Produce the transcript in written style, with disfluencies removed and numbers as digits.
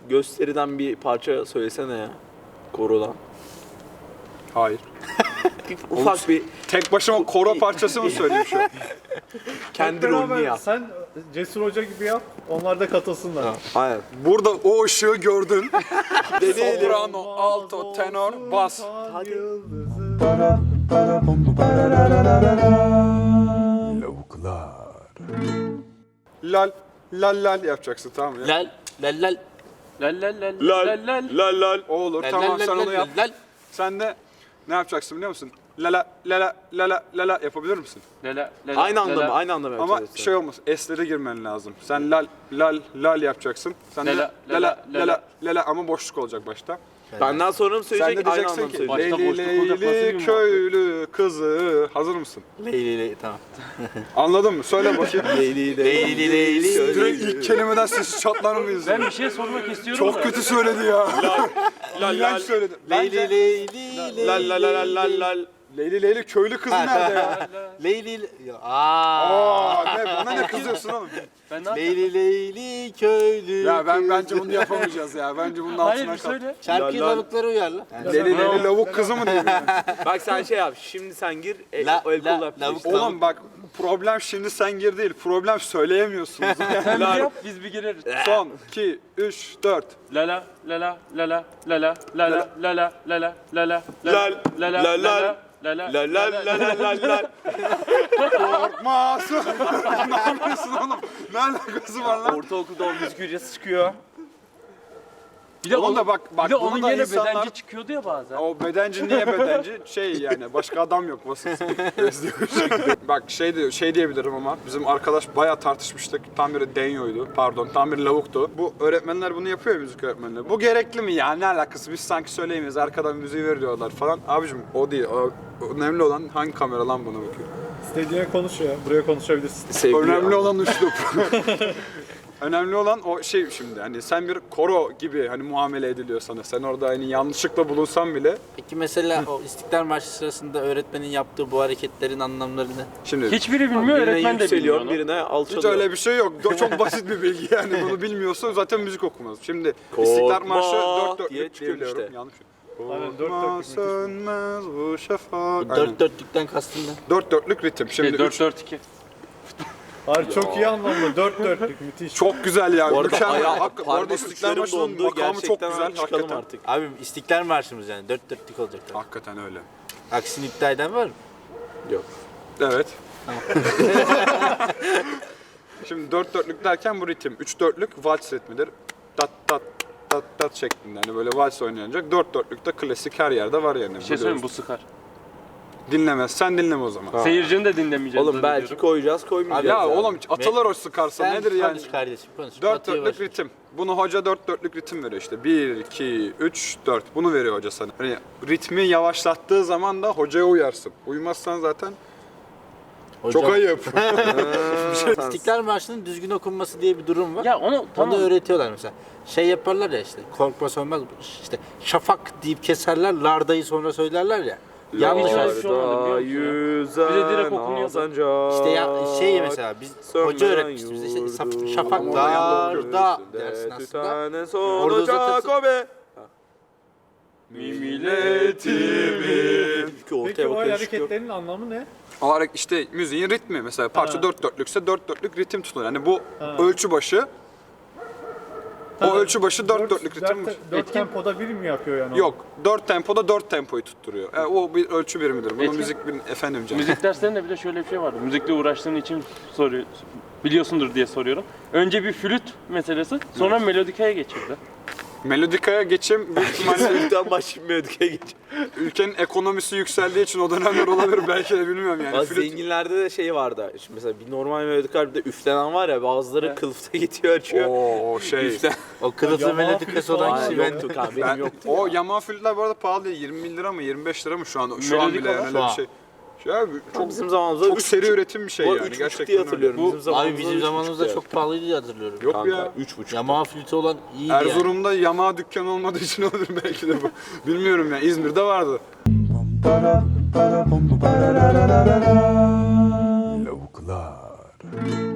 gösteriden bir parça söylesene ya. Korodan. Hayır. Ufak bir Tek başıma koro parçası mı söyleyeyim şu an? kendi Beraber rolünü yap. Sen Cesur Hoca gibi yap, onlar da katılsınlar. Aynen. Burada o ışığı gördün. Deneyelim. Soprano, alto, tenor, bas. Hadi. Lal, lal lal yapacaksın, tamam mı? Lal lal lal Lal lal lal lal lal lal. lal lal. O olur, Lal, tamam lal, sen lal, onu yap. lal. Sen de ne yapacaksın biliyor musun? Lala, lala, lala, lala yapabilir misin? Lala lala. Aynı anda lala. mı? Aynı anda mı Ama yapacağız? şey olmaz, esleri girmen lazım. Sen lal, lal, lal yapacaksın. Sen de Lala, lala, lala, lala, lala. lala ama boşluk olacak başta. Benden sonra mı Sen söyleyecek? de Aynı anda diyeceksin mı ki söyleyecek? Başta Leyli boşluk olacak, nasıl bir Leyli muhabbet? köylü kızı. Hazır mısın? Leyli tamam. Anladın mı? Söyle bakayım. Leyli Leyli Direkt ilk kelimeden sesi çatlar mıyız? Ben bir şey sormak istiyorum Çok da. kötü söyledi ya. lal İğrenç söyledi. Leyli Bence Leyli lal lal lal lal lal. Leyli Leyli köylü kızı nerede ya? Leyli Aa, ne bana ne kızıyorsun oğlum? Ben ne yapayım? Leyli Leyli köylü. Ya bence bunu yapamayacağız ya. Bence bunun Hayır altına bir kal. söyle. Şarkıyı Lal, lal. lavukları uyarla. Leyli Leyli lavuk kızı mı diyeyim yani? Bak sen şey yap. Şimdi sen gir. La- El la- kolla lavuk- Oğlum bak problem şimdi sen gir değil. Problem söyleyemiyorsunuz. Sen bir yap biz bir gireriz. Son 2 3 4. Lala lala lala lala lala lala lala lala Lal, lala lal, lal. lala La la la la la la. Korkmasın. Ne yapıyorsun oğlum? Ne alakası var lan? Ortaokulda o müzik hocası çıkıyor. Bir de Oğlum da bak bir de bunu onun da gene insanlar- bedenci çıkıyordu ya bazen. O bedenci niye bedenci? Şey yani başka adam yok vasıfsız. Bak şey diyebilirim ama bizim arkadaş bayağı tartışmıştık. Tam biri denyoydu. Pardon tam biri lavuktu. Bu öğretmenler bunu yapıyor ya, müzik öğretmenleri. Bu gerekli mi ya? Ne alakası? Biz sanki söyleyemeyiz. Arkadan müziği veriyorlar falan. Abicim o değil. O, önemli olan hangi kamera lan buna bakıyor. İstediğine konuş ya, buraya konuşabilirsin. Sevgili Önemli olan üslup. Önemli olan o şey şimdi hani sen bir koro gibi hani muamele ediliyor sana. Sen orada hani yanlışlıkla bulunsan bile Peki mesela o İstiklal Marşı sırasında öğretmenin yaptığı bu hareketlerin anlamlarını şimdi Hiçbiri bilmiyor, birine öğretmen de bilmiyor yükseliyor, onu. birine hiç alçalıyor. öyle bir şey yok. Çok basit bir bilgi yani. Bunu bilmiyorsa zaten müzik okumaz. Şimdi Korkma İstiklal Marşı 4/4'lük diye çıkıyor biliyorum. işte. Yanlış. Aynen, Korkma 4/4'lük sönmez bu şafak. dört dörtlükten kastın ne? 4/4'lük ritim. Şimdi 4-4-2. Hayır çok iyi anlamda, 4/4'lük müthiş. çok güzel yani. Bu arada Mükemmel. ayağı, Hakikaten. Bu arada parmak İstiklal uçlarım Marşı'nın dondu. makamı çok Gerçekten güzel. abi çıkalım Hakikaten. artık. Abi İstiklal Marşımız yani dört dörtlük olacak. tabii. Hakikaten öyle. Aksini iddia eden var mı? Yok. Evet. Şimdi 4/4'lük derken bu ritim. 3/4'lük vals ritmidir. Tat tat tat tat şeklinde. Hani böyle vals oynanacak. 4/4'lük de klasik her yerde var yani. Bir şey söyleyeyim mi? Bu sıkar. Dinlemezsen dinleme o zaman. Seyircinin de dinlemeyeceğiz. Oğlum belki koyacağız koymayacağız. Ya yani. oğlum atılır o sıkarsa Sen nedir yani? konuş kardeşim konuş. 4/4'lük ritim. Bunu hoca 4/4'lük ritim veriyor işte. 1, 2, 3, 4. Bunu veriyor hoca sana. Hani ritmi yavaşlattığı zaman da hocaya uyarsın. Uymazsan zaten Hocam, çok ayıp. İstiklal Marşı'nın düzgün okunması diye bir durum var. Ya onu Onu tamam. da öğretiyorlar mesela. Şey yaparlar ya işte korkma sönmez işte şafak deyip keserler lardayı sonra söylerler ya. Yanlış Larda olmuş. şey olmadı, biliyor musun? yüzen Bize direkt okunuyordu. azancak. İşte ya şey mesela biz hoca öğretmişti bize işte şafak larda dersin aslında. Orada Orada zaten- o be. Milletimin. Ortaya Peki o bakıyor, çıkıyor. hareketlerin anlamı ne? Olarak işte müziğin ritmi. Mesela parça Ha. 4/4'lükse 4/4'lük ritim tutulur. Yani bu Ha. ölçü başı o ölçü başı 4/4'lük ritim. 4 tempoda bir mi yapıyor yani? Yok. 4 tempoda 4 tempoyu tutturuyor. O bir ölçü birimidir. Bunu Etki- müzik bir efendim canım. Müzik derslerinde bir de şöyle bir şey vardı. Müzikle uğraştığın için soruyor, biliyorsundur diye soruyorum. Önce bir flüt meselesi, sonra melodikaya geçirdi. Melodikaya geçim büyük ihtimalle Ülkten başlamıyorduk ya geç. ülkenin ekonomisi yükseldiği için o dönemler olabilir belki de bilmiyorum yani. Bazı Flüt- zenginlerde de şey vardı. Şimdi mesela bir normal melodik harpte üflenen var ya, bazıları Evet. kılıfta gidiyor açıyor. Oo şey. Üflen. O kılıflı Yamaha melodikası flütü olan falan kişi Aynen, ben. yok abi, benim Ben, yoktu o ya. Yamaha flütler bu arada pahalı değil. 20 lira mı 25 lira mı şu an? Şu an Melodik bile yani olan. öyle bir şey. Şey abi, çok Bizim zamanımızda çok seri üretim bir şey Bu yani. 3,5 Gerçekten diye öyle. hatırlıyorum. Bu- Bizim zamanımızda Abi bizim 3,5 zamanımızda ya. çok pahalıydı diye hatırlıyorum. Yok Kanka, ya. 3,5. Yamaha flütü olan iyiydi yani. Erzurum'da Yamaha dükkanı olmadığı için olur belki de bu. Bilmiyorum ya. İzmir'de vardı. Lavuklar.